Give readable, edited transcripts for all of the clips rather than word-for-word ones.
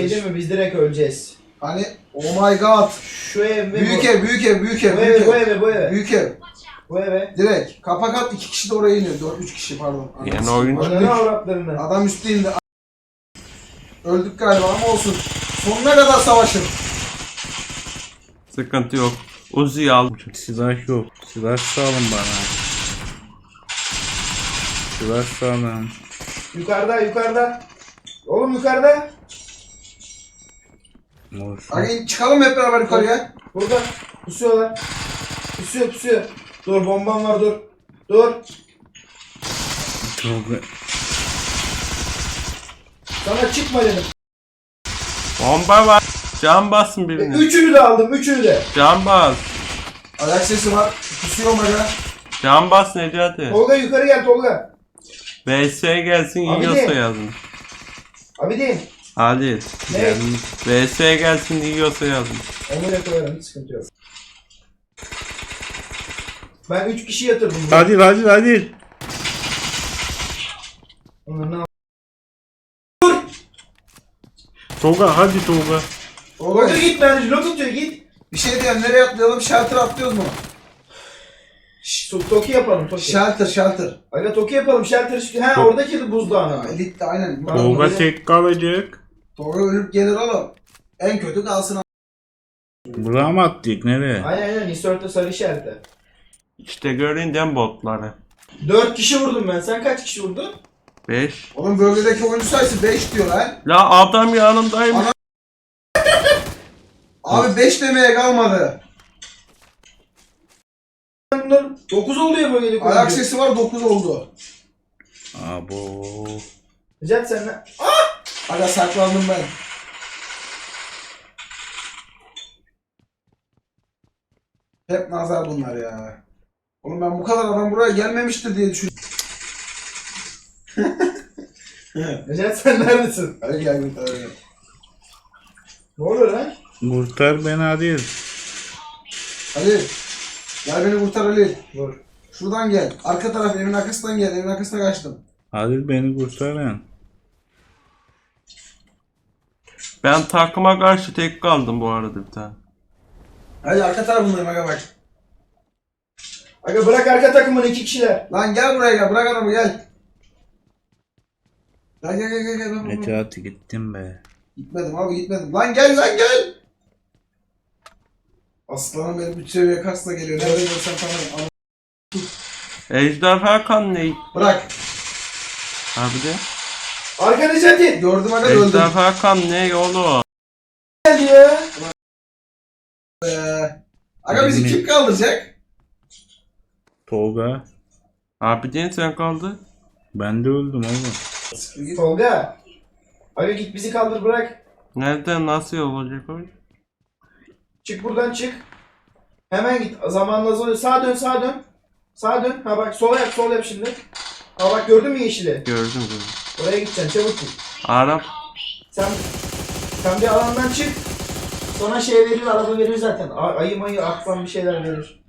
şey değil mi? Biz direkt öleceğiz. Hani oh my god. Şu ev mi? Büyük ev, büyük ev, büyük ev. Bu eve, bu eve. Büyük ev. Bu eve. Direkt. Kapak at 2 kişi de oraya iniyor. 3 kişi pardon. Yani oyuncu. Ananı avratlarını. Adam üstte indi. Öldük galiba ama olsun. Sonuna kadar savaşın. Sıkıntı yok. Uzi al. Silah yok. Silah sağlam bana. Silah sağlam. Yukarıda, yukarıda. Oğlum yukarıda. Olsun. Hadi çıkalım hep beraber yukarıya. Burada. Pusuyorlar. Pusuyor. Dur bombam var dur. Dur. Çok... Sana çıkma dedim. Bomba var. Can basın birini. Üçünü de aldım, üçünü de. Can bas. Ayak sesi var. Pusuyor maga. Can bas Necati. Tolga yukarı gel Tolga. VS gelsin Abi yiyorsa de. yazın. Abi değil. Hadi. Ne? VS gelsin yiyorsa yazın. Onu da koyarım, hiç sıkıntı yok. Ben 3 kişi yatırdım. Hadi. Onu Tolga hadi Tolga. Tolga git ben reload atıyor git. Bir şey diyeyim, nereye atlayalım? Shelter atlıyoruz mu? Toki yapalım Toki. Shelter. Aga Toki yapalım shelter. Ha oradaki buzdağına. Elite aynen. Tamam. Tolga tek kalacak. Tolga ölüp gelir oğlum. En kötü kalsın. Buraya mı attık nereye? Aynen insert'te sarı işareti. İşte göründen botları. 4 kişi vurdum ben. Sen kaç kişi vurdun? 5. Oğlum bölgedeki oyuncu sayısı 5 diyor lan. La adam yanımdaymış. Abi 5 demeye kalmadı. 9 oldu ya bölgedeki Ayak oyuncu. sesi var 9 oldu. Abo. Necat sen ne? Aga saklandım ben. Hep nazar bunlar ya. Oğlum ben bu kadar adam buraya gelmemiştir diye düşünüyorum. Necat sen neredesin? Hadi gel bir tane. Ne oluyor lan? Kurtar beni hadi. Ali. Gel beni kurtar Ali. Dur. Şuradan gel. Arka taraf evin arkasından gel. Evin arkasına kaçtım. Hadi beni kurtarın. Ben takıma karşı tek kaldım bu arada bir tane. Hadi arka tarafındayım aga bak. Aga bırak arka takımını 2 kişiler. Lan gel buraya gel. Bırak adamı gel. Gel. Necati gittim be. Gitmedim abi gitmedim. Lan gel. Aslanım benim 3 seviye kasla geliyor. Nerede görsen tanırım. Ejderha kan ne? Bırak. Abi de. Arka Necati. Gördüm aga öldüm. Ejderha kan ne oğlum? Geldi ya. Aga bizi kim kaldıracak? Tolga. Abi de sen kaldı. Ben de öldüm oğlum. Tolga. Aga git bizi kaldır bırak. Nereden nasıl olacak o? Çık buradan çık. Hemen git. Zamanla azalıyor. Sağa dön. Sağa dön. Ha bak sol yap şimdi. Ha bak gördün mü yeşili? Gördüm. Oraya gideceksin çabuk git. Arap. Sen bir alandan çık. Sonra şey verir, araba verir zaten. Ayı mayı aklan bir şeyler verir.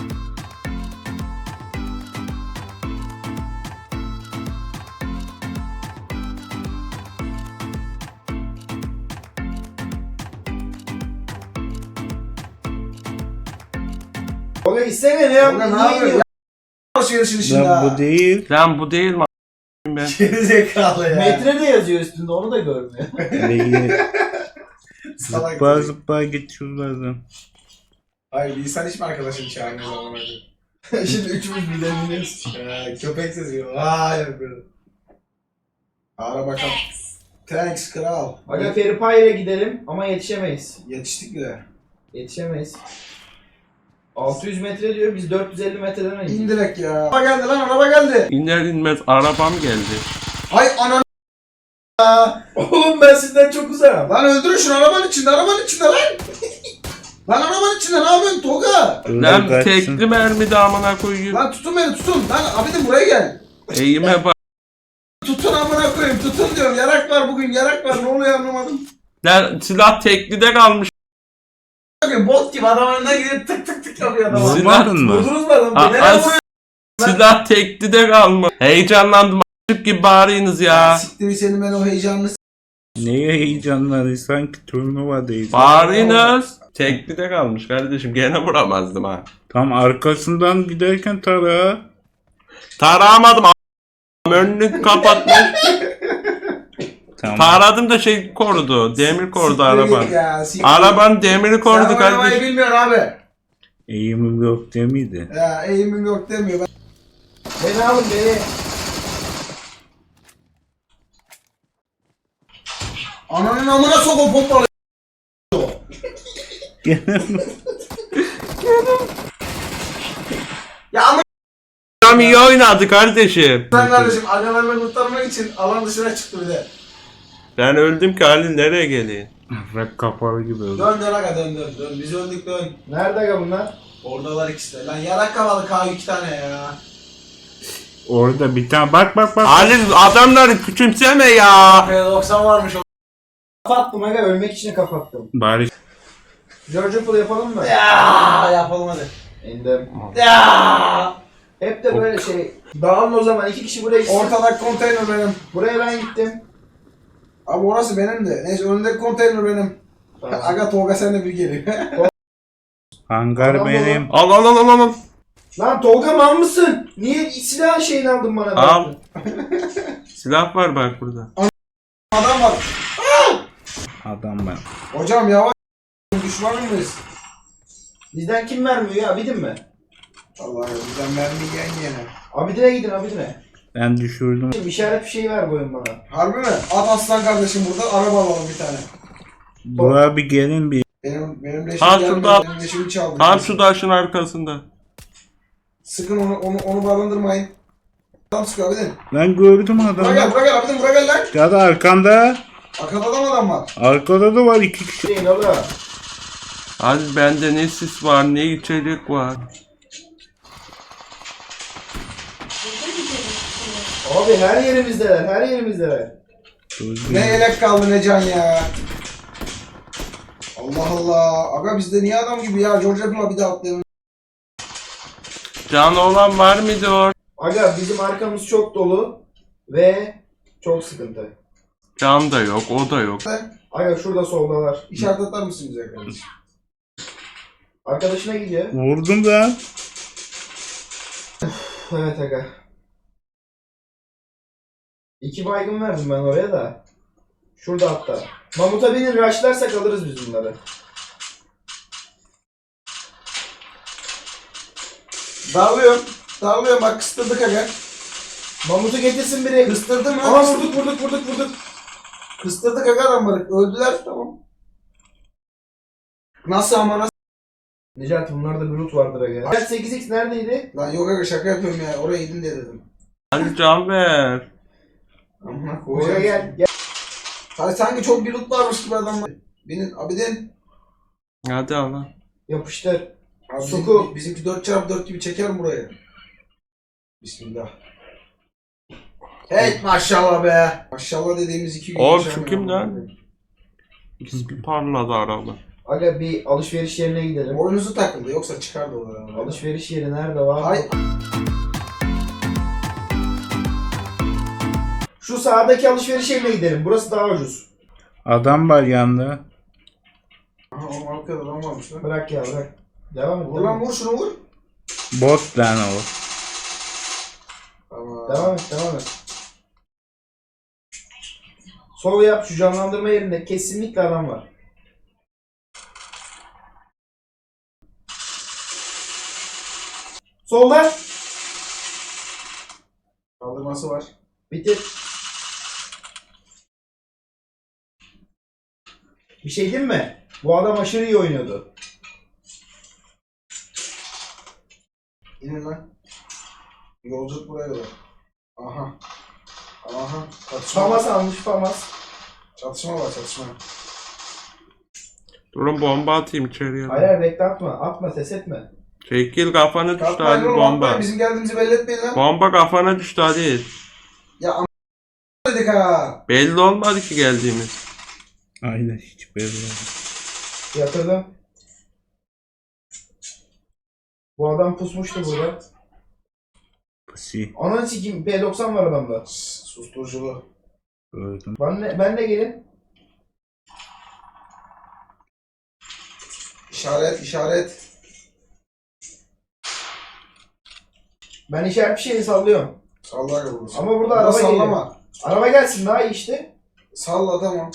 Tolga gitsene ne yap? Tolga ne yapıyor? Alışverişin işinde Lan ha. bu değil. Lan bu değil mi? Ben. Gerizekalı ya. Metre de yazıyor üstünde onu da görmüyor. Begi Salak. zıpla git şuradan. Hayır bir insan hiç mi arkadaşını çağırmıyor zaman önce? Şimdi üçümüz birden biniyoruz. Köpek sesi. Vay yapıyorum. Ara bakalım. Thanks kral. Aga Feripaye'ye gidelim ama yetişemeyiz. Yetiştik bile. Yetişemeyiz. 600 metre diyor, biz 450 metreden önce. İndirek ya. Araba geldi lan araba geldi. İner inmez arabam geldi. Hay ananı. Oğlum ben sizden çok uzağım. Lan öldürün şunu arabanın içinde lan. Lan arabanın içinde ne yapıyorsun Tolga? Lan tekli mermi de amına koyayım. Lan tutun beni tutun. Lan abidim buraya gel. Eğime bak. Tutun amına koyayım tutun diyorum. Yarak var bugün yarak var ne oluyor anlamadım. Lan silah teklide kalmış. Bot gibi adam önüne gidip tık tık tık yapıyor adama. Vurmadın mı? Vurdunuz mu adamı? Aa, Nereye vuruyor? silah teklide kalmış. Heyecanlandım. A**lık gibi bağırıyorsunuz ya. Siktir senin ben o heyecanını Neye heyecanları sanki turnuvadayız. Bağırınız. Teklide kalmış kardeşim. Gene vuramazdım ha. Tam arkasından giderken tara. Taramadım. Önünü kapatmış. Tamam. Taradım da şey korudu. Demir korudu araban. Ya, Arabanın demiri korudu Sen oynamayı kardeşim. bilmiyorsun abi. Eğimim yok değil miydi? Ya eğimim yok demiyor. Beni alın beni. Ananın amına sok o pompalı. Ya ama Adam iyi oynadı kardeşim. sen kardeşim agalarını kurtarmak için alan dışına çıktı bir de. Ben öldüm ki Halil nereye geleyim? Rap kapalı gibi oldu. Dön dön aga dön. Biz öldük dön. Nerede aga bunlar? Oradalar ikisi de. Lan yarak kavalı K 2 tane ya. Orada bir tane bak. Halil adamları küçümseme ya. P90 varmış o. Kapattım aga, ölmek için kapattım. Bari George Pool yapalım mı? Ya yapalım hadi. İndim. Ya. Hep de böyle şey. Dağılın o zaman, 2 kişi buraya gitsin. Ortadaki konteyner benim. Buraya ben gittim. Abi orası benim de. Neyse önündeki konteyner benim. Tamam. Aga Tolga sen de bir geliyor. hangar Adam benim. Al. Lan Tolga mal mısın? Niye silah şeyini aldın bana? Al. Silah var bak burada. Adam var. Adam ben. Hocam yavaş. Düşman mıyız? Bizden kim vermiyor ya? Abidin mi? Vallahi bizden mermi yiyen yene. Abidine gidin, Abidine. Ben düşürdüm. İşaret bir şey ver bu oyun bana. Harbi mi? At aslan kardeşim burada araba alalım bir tane. Buraya bir gelin bir. Benim leşim Ha, gelmedi. şurada. Benim leşimi çaldı. Tam şu taşın arkasında. Sıkın onu barındırmayın. Tam sıkıyor abidin. Lan gördüm Buraya adamı. gel abidin buraya gel lan. Ya da arkanda. Arkada da mı adam var? Arkada da var 2 kişi. Değil oğlum. Halil bende ne sis var ne içecek var. Abi her yerimizdeler, her yerimizdeler. Ne elek kaldı ne can ya. Allah Allah. Aga bizde niye adam gibi ya? George Apple'a bir daha atlayalım. Canı olan var mıydı orada? Aga bizim arkamız çok dolu ve çok sıkıntı. Can da yok o da yok. Aga şurada soldalar. İşaret atar mısın bize kardeşim? Arkadaşına gidiyor. Vurdum lan. Evet aga. 2 baygın verdim ben oraya da. Şurada hatta. Mamut'a binin, rushlarsak alırız biz bunları. Dağılıyorum bak kıstırdık aga. Mamut'u getirsin biri. Kıstırdım mı? Aa vurduk. Kıstırdık aga adamları. Öldüler tamam. Nasıl ama nasıl? Necati bunlarda bir loot vardır aga. Necati 8x neredeydi? Lan yok aga şaka yapıyorum ya. Oraya gidin diye dedim. Halil can ver. Amına Buraya koyacağım. gel. Hayır sanki çok bir loot varmış gibi adamlar. Binin abidin. Hadi al lan. Yapıştır. Abi Suku. bizimki 4x4 gibi çeker mi burayı? Bismillah. Hey maşallah be. Maşallah dediğimiz 2 gün. Oğlum, yaşamıyor şu kim ama. lan? İsmi parladı araba. Aga bir alışveriş yerine gidelim. Boynuzu takıldı yoksa çıkardı oradan. Alışveriş yeri nerede var? Hay. Şu sağdaki alışveriş yerine gidelim. Burası daha ucuz. Adam var yanında. Aha o arkada adam varmış lan. Bırak ya bırak. Devam et. Vur lan vur şunu vur. Bot lan o. Tamam. Devam et. Sol yap, şu canlandırma yerinde kesinlikle adam var. Solda. Kaldırması var. Bitir. Bir şey diyeyim mi? Bu adam aşırı iyi oynuyordu. İnin lan. Yolculuk buraya kadar. Aha. Çatışma Famas var. almış Famas. Çatışma var çatışma. Durun bomba atayım içeriye. Hayır bekle atma. Atma ses etme. Çekil kafana düştü Kalkmayın Halil oğlum bomba. atmayın. Bizim geldiğimizi belli etmeyin lan. Bomba kafana düştü Halil. Ya dedik ha. Belli olmadı ki geldiğimiz. Aynen hiç belli olmadı. Yatırdım. Bu adam pusmuştu burada. Pusi. Ananı sikeyim P90 var adamda. Susturuculu. Gördüm. Ben de gelin. İşaret. Ben işaret bir şeyini sallıyorum. Salla aga bunu. Ama burada Burada araba geliyor. sallama. Araba gelsin daha iyi işte. Salla tamam.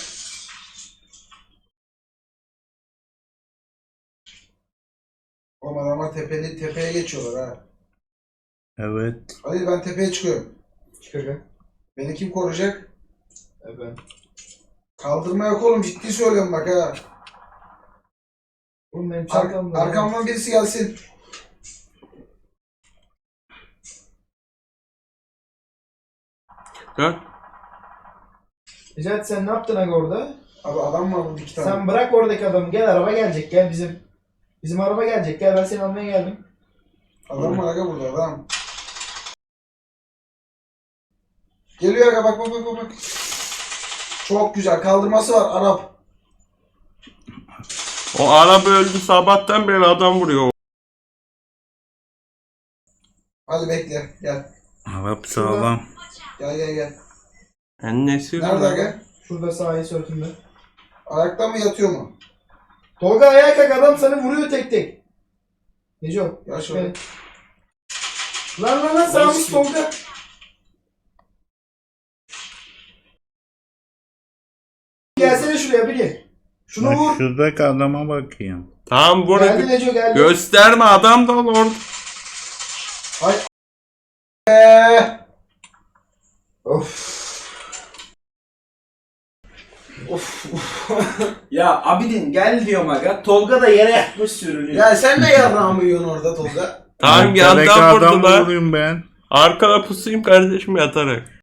Oğlum adamlar tepeye geçiyorlar ha. Evet. Hadi ben tepeye çıkıyorum. Çıkacak. Beni kim koruyacak? Evet. Kaldırma yok oğlum, ciddi söylüyorum bak ha. Oğlum benim çantamda. Arkamdan birisi gelsin. Dön. Necati sen ne yaptın aga orada? Abi adam var burada 2 tane. Sen bırak oradaki adamı. Gel araba gelecek. Gel bizim araba gelecek. Gel ben seni almaya geldim. Adam var aga burada adam. Geliyor aga bak. Çok güzel kaldırması var Arap. O araba öldü, sabahtan beri adam vuruyor. Hadi bekle gel. Arap sağlam. Gel. Annesi Nerede aga? Şurada sahil sörtünde. Ayakta mı yatıyor mu? Tolga ayağa kalk, adam seni vuruyor tek. Neco. Ya şöyle. Lan sağmış Tolga. Gelsene şuraya biri. Şunu Bak vur. şuradaki adama bakayım. Tamam vur. Geldi Neco geldi. Gösterme, adam da orada. Ay. Of. Ya Abidin gel diyorum aga. Tolga da yere yatmış sürünüyor. Ya sen de yarrağımı yiyorsun orada Tolga. Tamam Arkadaki yandan adam vurdular. vurayım ben. Arkada pusayım kardeşim yatarak.